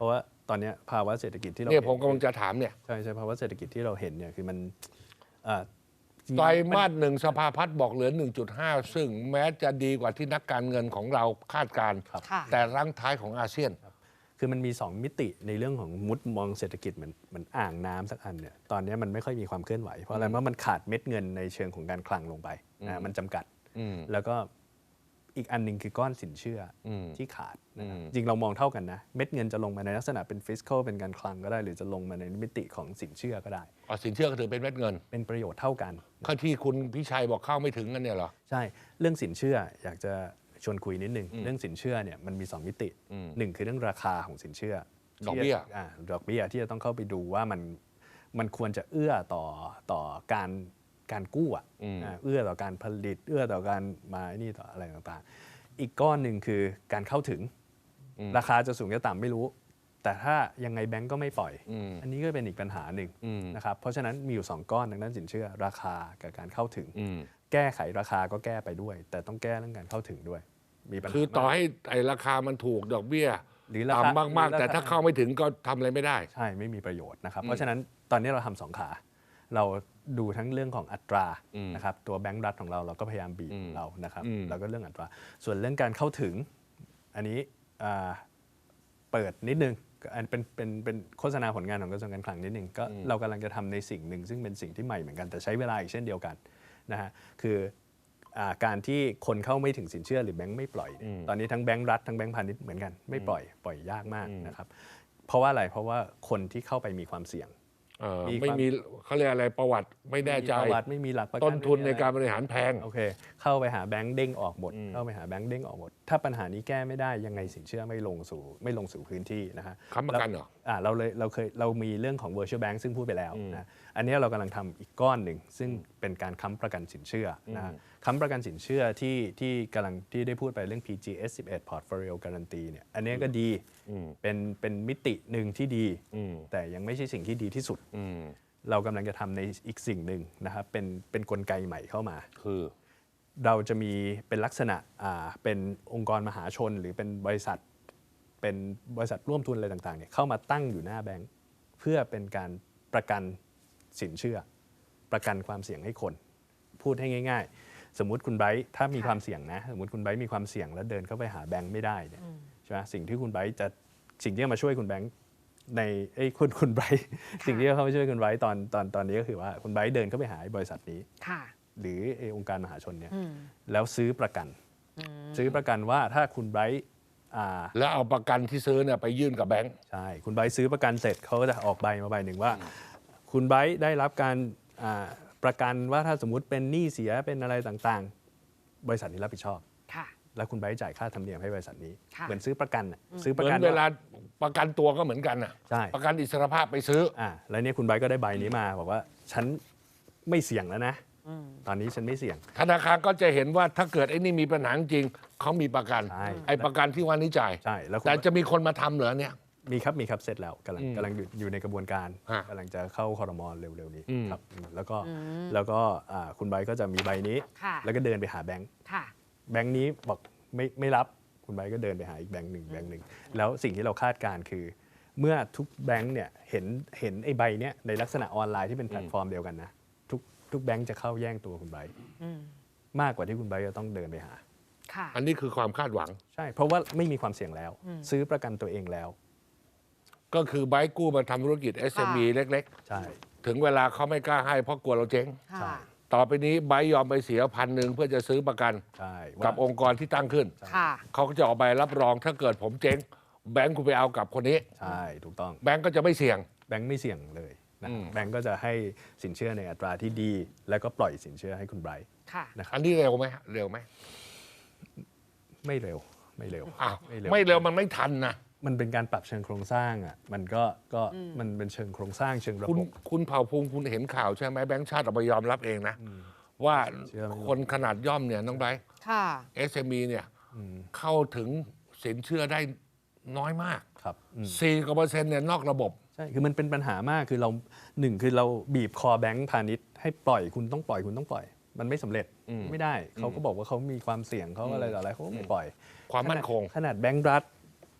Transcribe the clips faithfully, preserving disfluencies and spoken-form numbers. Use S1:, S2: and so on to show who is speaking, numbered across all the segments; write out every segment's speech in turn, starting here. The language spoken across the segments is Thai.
S1: ราะว่าตอนนี้ภาวะเศรษฐกิจที่เรา
S2: เนี่ยผมกำลังจะถามเนี่ย
S1: ใช่ใช่ภาวะเศรษฐกิจที่เราเห็นเนี่ยคือมัน
S2: ไตรมาสหนึ่งสภาพัฒน์บอกเหลือ หนึ่งจุดห้า ซึ่งแม้จะดีกว่าที่นักการเงินของเราคาดการณ์แต่รั้งท้ายของอาเซียน
S1: คือมันมีสองมิติในเรื่องของมุดมองเศรษฐกิจเหมือนเหมือนอ่างน้ำสักอันเนี่ยตอนนี้มันไม่ค่อยมีความเคลื่อนไหวเพราะอะไรเพราะมันขาดเม็ดเงินในเชิงของการคลังลงไปนะมันจำกัดแล้วก็อีกอันหนึ่งคือก้อนสินเชื่อที่ขาดนะจริงเรามองเท่ากันนะเม็ดเงินจะลงมาในลักษณะเป็นฟิสคัลเป็นการคลังก็ได้หรือจะลงมาในมิติของสินเชื่อก็ได้
S2: อ๋อสินเชื่อก็ถือเป็นเม็ดเงิน
S1: เป็นประโยชน์เท่ากัน
S2: ข้อที่คุณพิชัยบอกเข้าไม่ถึงกันเนี่ยเหรอ
S1: ใช่เรื่องสินเชื่ออยากจะชวนคุยนิดนึงเรื่องสินเชื่อเนี่ยมันมีสองมิติหนึ่งคือเรื่องราคาของสินเชื่อ
S2: ดอกเบี้ย
S1: อ่าดอกเบี้ยที่จะต้องเข้าไปดูว่ามันมันควรจะเอื้อต่อต่อการการกู้อ่ะเอื้อต่อการผลิตเอื้อต่อการมานี่ต่ออะไรต่างๆอีกก้อนหนึ่งคือการเข้าถึงราคาจะสูงจะต่ำไม่รู้แต่ถ้ายังไงแบงก์ก็ไม่ปล่อยอันนี้ก็เป็นอีกปัญหาหนึ่งนะครับเพราะฉะนั้นมีอยู่สองก้อนทางด้านสินเชื่อราคากับการเข้าถึงแก้ไขราคาก็แก้ไปด้วยแต่ต้องแก้เรื่องการเข้าถึงด้วยมีปัญหา
S2: คือต่อให้ไอ้ราคามันถูกดอกเบี้ยต่ำมากๆแต่ถ้าเข้าไม่ถึงก็ทำอะไรไม่ได้
S1: ใช่ไม่มีประโยชน์นะครับเพราะฉะนั้นตอนนี้เราทำสองขาเราดูทั้งเรื่องของอัตรานะครับตัวแบงก์รัฐของเราเราก็พยายามบีบเรานะครับแล้วก็เรื่องอัตราส่วนเรื่องการเข้าถึงอันนี้เปิดนิดนึงอันเป็นเป็นเป็นโฆษณาผลงานของกระทรวงการคลังนิดนึงก็เรากำลังจะทำในสิ่งหนึ่งซึ่งเป็นสิ่งที่ใหม่เหมือนกันแต่ใช้เวลาอีกเช่นเดียวกันนะฮะคือการที่คนเข้าไม่ถึงสินเชื่อหรือแบงก์ไม่ปล่อยตอนนี้ทั้งแบงก์รัฐทั้งแบงก์พาณิชย์เหมือนกันไม่ปล่อยปล่อยยากมากนะครับเพราะว่าอะไรเพราะว่าคนที่เข้าไปมีความเสี่ยง
S2: ไม่มีเขาเรียกอะไรประวัติไม่แน่ใจ
S1: ประวัติไม่มีหลักประกัน
S2: ต้นทุนในการบริหารแพง
S1: โอเคเข้าไปหาแบงก์เด้งออกหมดเข้าไปหาแบงก์เด้งออกหมดถ้าปัญหานี้แก้ไม่ได้ยังไงสินเชื่อไม่ลงสู่ไม่ลงสู่พื้นที่นะฮะ
S2: ค้ำประกันเหรอ
S1: อ่าเราเลยเราเคยเรามีเรื่องของ virtual bank ซึ่งพูดไปแล้วนะอันนี้เรากำลังทำอีกก้อนหนึ่งซึ่งเป็นการค้ำประกันสินเชื่อนะค้ำประกันสินเชื่อที่ที่กำลังที่ได้พูดไปเรื่อง พี จี เอส สิบเอ็ด Portfolio Guarantee เนี่ยอันนี้ก็ดีเป็นเป็นมิติหนึ่งที่ดีแต่ยังไม่ใช่สิ่งที่ดีที่สุดเรากำลังจะทำในอีกสิ่งหนึ่งนะครับเป็นเป็นกลไกใหม่เข้ามา
S2: คือ
S1: เราจะมีเป็นลักษณะอ่าเป็นองค์กรมหาชนหรือเป็นบริษัทเป็นบริษัทร่วมทุนอะไรต่างๆเนี่ยเข้ามาตั้งอยู่หน้าแบงก์เพื่อเป็นการประกันสินเชื่อประกันความเสี่ยงให้คนพูดให้ง่ายๆสมมุติคุณไบรท์ถ้ามีความเสี่ยงนะสมมติคุณไบรท์มีความเสี่ยงแล้วเดินเข้าไปหาแบงก์ไม่ได้เนี่ยใช่ไหมสิ่งที่คุณไบรท์จะสิ่งที่จะมาช่วยคุณแบงก์ในไอ้คุณคุณไบรท์สิ่งที่เข้ามาช่วยคุณไบรท์ตอนตอนตอนนี้ก็คือว่าคุณไบรท์เดินเข้าไปหาบริษัทนี้หรือองค์การมหาชนเนี่ยแล้วซื้อประกันซื้อประกันว่าถ้าคุณไบรท์
S2: แล้วเอาประกันที่ซื้อเนี่ยไปยื่นกับแบงก์
S1: ใช่คุณไบรท์ซื้อประกันเสร็จเขาก็จะออกใบมาใบหนึ่งว่าคุณไบรท์ได้รับการประกันว่าถ้าสมมุติเป็นหนี้เสียเป็นอะไรต่างๆบริษัทนี้รับผิดชอบแล้วคุณไบรท์จ่ายค่าธรรมเนียมให้บริษัทนี้เหมือนซื้อประกัน
S2: ซื้อประกันเวลาประกันตัวก็เหมือนกันอ่ะประกันอิสรภาพไปซื้อ
S1: อ่าแล้วเนี่ยคุณไบรท์ก็ได้ใบนี้มาบอกว่าฉันไม่เสี่ยงแล้วนะตอนนี้ฉันไม่เสี่ยง
S2: ธนาคารก็จะเห็นว่าถ้าเกิดไอ้นี่มีปัญหาจริงเขามีประกันไอ้ประกันที่ว่านี้จ่าย
S1: ใช่
S2: แล้วแต่จะมีคนมาทำเหรอเนี่ย
S1: มีครับมีครับเสร็จแล้วกำลังกำลังอยู่ในกระบวนการกำลังจะเข้าครม.เร็วๆนี้ครับแล้วก็แล้วก็คุณไบรท์ก็จะมีใบนี้แล้วก็เดินไปหาแบงค์แบงค์นี้บอกไม่ไม่รับคุณไบรท์ก็เดินไปหาอีกแบงค์หนึ่งแบงค์หนึ่งแล้วสิ่งที่เราคาดการณ์คือเมื่อทุกแบงค์เนี่ยเห็นเห็นไอ้ใบเนี้ยในลักษณะออนไลน์ที่เป็นแพลตฟอร์มเดียวกันนะทุกทุกแบงค์จะเข้าแย่งตัวคุณไบรท์มากกว่าที่คุณไบรท์จะต้องเดินไปหา
S2: อันนี้คือความคาดหวัง
S1: ใช่เพราะว่าไม่มีความเสี่ยงแล้วซื้อประกันตัวเองแล้ว
S2: ก็คือไบรท์กู้มาทำธุรกิจ เอส เอ็ม อี เล็ก
S1: ๆใช่
S2: ถึงเวลาเขาไม่กล้าให้เพราะกลัวเราเจ๊งต่อไปนี้ไบรท์ยอมไปเสียพันหนึ่งเพื่อจะซื้อประกันกับองค์กรที่ตั้งขึ้นเขาก็จะออกใบรับรองถ้าเกิดผมเจ๊งแบงก์คุณไปเอากับคนนี้
S1: ใช่ถูกต้อง
S2: แบงก์ก็จะไม่เสี่ยง
S1: แบงก์ไม่เสี่ยงเลยนะแบงก์ก็จะให้สินเชื่อในอัตราที่ดีแล้วก็ปล่อยสินเชื่อให้คุณไบรท์
S2: นะครับอันนี้เร็วไหมเร็วไหม
S1: ไม่เร็วไม่เร็ว
S2: อ้าวไม่เร็วมันไม่ทันนะ
S1: มันเป็นการปรับเชิงโครงสร้างอ่ะมันก็ก็มันเป็นเชิงโครงสร้างเชิงระบบ
S2: คุณเผ่าภูมิคุณเห็นข่าวใช่ไหมแบงก์ชาติออกมายอมรับเองนะว่าคนขนาดย่อมเนี่ยน้องไบรท์ เอส เอ็ม อี เนี่ยเข้าถึงสินเชื่อได้น้อยมาก
S1: ครับ
S2: สี่กว่าเปอร์เซ็นต์เนี่ยนอกระบบ
S1: ใช่คือมันเป็นปัญหามากคือเราหนึ่งคือเราบีบคอแบงก์พาณิชย์ให้ปล่อยคุณต้องปล่อยคุณต้องปล่อยมันไม่สำเร็จไม่ได้เขาก็บอกว่าเขามีความเสี่ยงเขาอะไรต่ออะไรเขาไม่ปล่อย
S2: ความมั่นคง
S1: ขนาดแบงก์รัฐ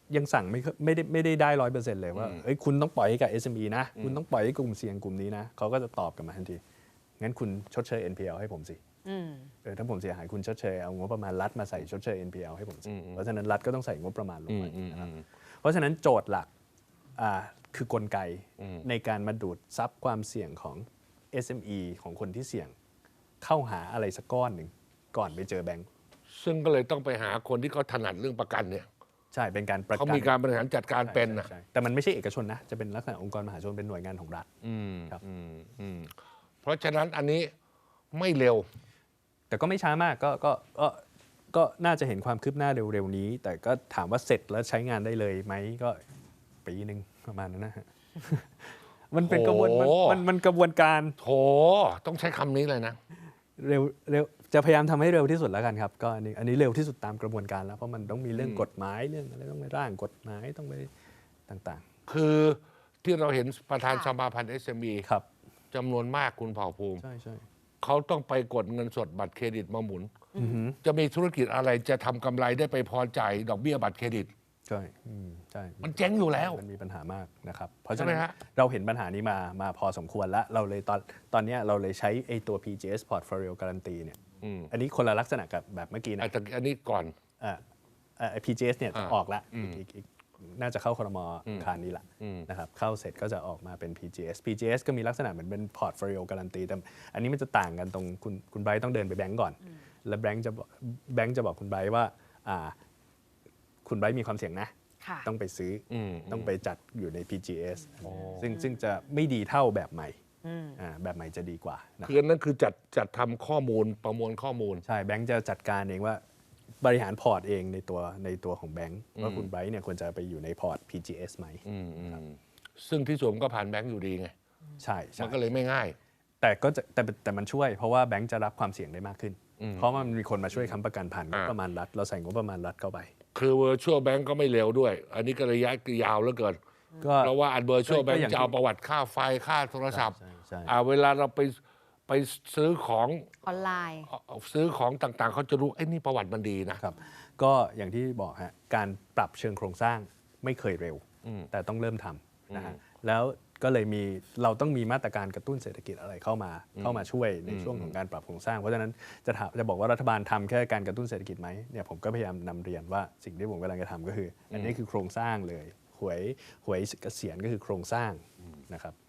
S1: ยังสั่งไม่ไม่ได้ไม่ได้ได้ร้อยเปอร์เซ็นต์เลยว่าเอ้ยคุณต้องปล่อยให้กับ เอส เอ็ม อี นะคุณต้องปล่อยให้กลุ่มเสี่ยงกลุ่มนี้นะเขาก็จะตอบกลับมาทันทีงั้นคุณชดเชย เอ็น พี แอล ให้ผมสิเออถ้าผมเสียหายคุณชดเชยเอางบประมาณรัฐมาใส่ชดเชย เอ็น พี แอล ให้ผมสิเพราะฉะนั้นรัฐก็ต้องใส่งบประมาณลงไปนะครับเพราะฉะนั้นโจทย์หลักอ่าคือกลไกในการมาดูดซับความเสี่ยงของ เอส เอ็ม อี ของคนที่เสี่ยงเข้าหาอะไรสักก้อนหนึ่งก่อนไปเจอแบงก์
S2: ซึ่งก็เลยต้องไปหาคนที่เขาถนัดเรื่องประกันเนี่ย
S1: ใช่เป็นการประกัน
S2: เขามีการบริหารจัดการเป็นนะ
S1: แต่มันไม่ใช่เอกชนนะจะเป็นลักษณะองค์กรมหาชนเป็นหน่วยงานของรัฐครับ
S2: เพราะฉะนั้นอันนี้ไม่เร็ว
S1: แต่ก็ไม่ช้ามากก็ก็ก็ก็น่าจะเห็นความคืบหน้าเร็วๆนี้แต่ก็ถามว่าเสร็จแล้วใช้งานได้เลยไหมก็ปีหนึ่งประมาณนั้นนะฮะมันเป็นกระบวนมันมันมันกระบวนการ
S2: โถต้องใช้คำนี้เลยนะ
S1: เร็วเร็วจะพยายามทำให้เร็วที่สุดแล้วกันครับก็อันนี้อันนี้เร็วที่สุดตามกระบวนการแล้วเพราะมันต้องมีเรื่องกฎหมายเรื่องอะไรต้องไปร่างกฎหมายต้องไปต่าง
S2: ๆคือที่เราเห็นประธานสมาพันธ์ เอส เอ็ม อี
S1: ครับ
S2: จำนวนมากคุณเผ่าภูมิ
S1: ใช่ใช่
S2: เขาต้องไปกดเงินสดบัตรเครดิตมาหมุนจะมีธุรกิจอะไรจะทำกำไรได้ไปพอจ่ายดอกเบี้ยบัตรเครดิต
S1: ใช่ใช่
S2: มันเจ๊งอยู่แล้ว
S1: มันมีปัญหามากนะครับเพราะฉะนั้นเราเห็นปัญหานี้มามาพอสมควรแล้วเราเลยตอนตอนนี้เราเลยใช้ไอ้ตัว พี จี เอส Portfolio Guarantee เนี่ยอันนี้คนละลักษณะกับแบบเมื่อกี้นะ
S2: อันนี้ก่อน
S1: อ่าอ่า พี จี เอส เนี่ยจะออกละอีกอีกน่าจะเข้าครม.คารนี้ละนะครับเข้าเสร็จก็จะออกมาเป็น พี จี เอส พี จี เอส ก็มีลักษณะเหมือนเป็น Portfolio Guarantee แต่อันนี้มันจะต่างกันตรงคุณคุณไบรท์ต้องเดินไปแบงก์ก่อนแล้วแบงก์จะแบงก์จะบอกคุณไบรท์ว่าอ่าคุณไบรท์มีความเสี่ยงนะต้องไปซื้อต้องไปจัดอยู่ใน พี จี เอส ซึ่งซึ่งจะไม่ดีเท่าแบบใหม่แบบใหม่จะดีกว่า
S2: คือนั่นคือจัดจัดทำข้อมูลประมวลข้อมูล
S1: ใช่แบงก์จะจัดการเองว่าบริหารพอร์ตเองในตัวในตัวของแบงก์ว่าคุณไบรท์เนี่ยควรจะไปอยู่ในพอร์ต พี จี เอส ไหม
S2: ซึ่งที่สุดก็ผ่านแบงก์อยู่ดีไง
S1: ใช่
S2: มันก็เลยไม่ง่าย
S1: แต่ก็จะแต่แต่มันช่วยเพราะว่าแบงก์จะรับความเสี่ยงได้มากขึ้นเพราะมันมีคนมาช่วยค้ำประกันผ่านงบประมาณรัฐเราใส่งบประมาณรัฐเข้าไป
S2: คือ virtual bank ก็ไม่เร็วด้วยอันนี้ก็ระยะยาวเหลือเกินเพราะว่าอัน virtual bank จะเอาประวัติค่าไฟค่าโทรศัพท์เวลาเราไปไปซื้อของ
S3: ออนไลน์
S2: ซื้อของต่างๆเขาจะรู้ไอ้นี่ประวัติมันดีนะครับ
S1: ก็อย่างที่บอกฮะการปรับเชิงโครงสร้างไม่เคยเร็วแต่ต้องเริ่มทำนะฮะแล้วก็เลยมีเราต้องมีมาตรการกระตุ้นเศรษฐกิจอะไรเข้ามาเข้ามาช่วยในช่วงของการปรับโครงสร้างเพราะฉะนั้นจะจะบอกว่ารัฐบาลทำแค่การกระตุ้นเศรษฐกิจไหมเนี่ยผมก็พยายามนำเรียนว่าสิ่งที่ผมกำลังจะทำก็คืออันนี้คือโครงสร้างเลยหวยหวยเกษียณก็คือโครงสร้างนะครับ